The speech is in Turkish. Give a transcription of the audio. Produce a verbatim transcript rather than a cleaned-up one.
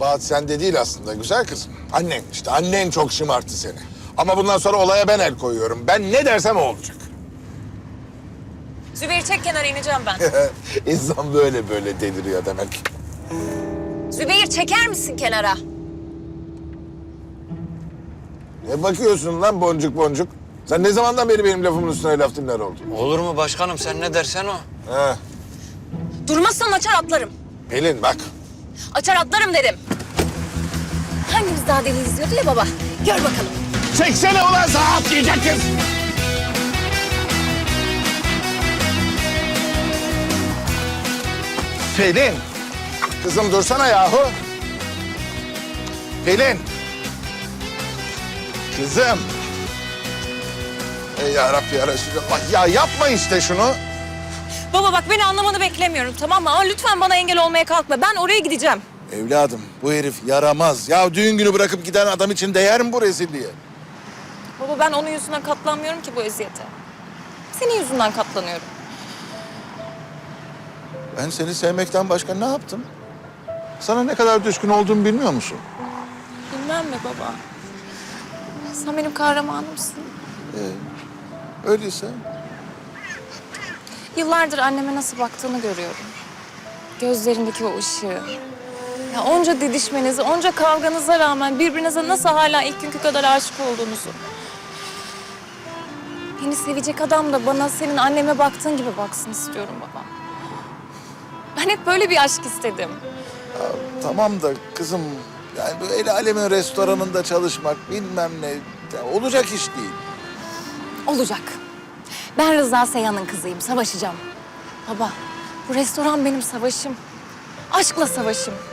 Kabahat sende değil aslında güzel kızım. Annen işte, annen çok şımarttı seni. Ama bundan sonra olaya ben el koyuyorum. Ben ne dersem o olacak. Zübeyir çek kenara, ineceğim ben. İnsan böyle böyle deliriyor demek. Zübeyir çeker misin kenara? Ne bakıyorsun lan boncuk boncuk? Sen ne zamandan beri benim lafımın üstüne laf dinler oldun? Olur mu başkanım, sen ne dersen o. He. Durmazsan açar atlarım. Pelin bak. Açar atlarım dedim. Hangimiz daha deli izliyordu ya baba? Gör bakalım. Çeksene ulan sağa atlayacak kız. Pelin. Kızım dursana yahu. Pelin. Kızım. Ey yarabbi ya Resulallah. Ya yapma işte şunu. Baba bak, beni anlamanı beklemiyorum, tamam mı? Ama lütfen bana engel olmaya kalkma. Ben oraya gideceğim. Evladım bu herif yaramaz. Ya düğün günü bırakıp giden adam için değer mi bu rezilliğe? Baba ben onun yüzünden katlanmıyorum ki bu eziyete. Senin yüzünden katlanıyorum. Ben seni sevmekten başka ne yaptım? Sana ne kadar düşkün olduğumu bilmiyor musun? Bilmem mi baba? Sen benim kahramanımsın. Öyleyse. Yıllardır anneme nasıl baktığını görüyorum. Gözlerindeki o ışığı. Ya onca didişmenize, onca kavganıza rağmen birbirinize nasıl hala ilk günkü kadar aşık olduğunuzu. Beni sevecek adam da bana senin anneme baktığın gibi baksın istiyorum baba. Ben hep böyle bir aşk istedim. Tamam da kızım, yani bu el alemin restoranında çalışmak bilmem ne, ya olacak iş değil. Olacak. Ben Rıza Seyhan'ın kızıyım, savaşacağım. Baba, bu restoran benim savaşım. Aşkla savaşım.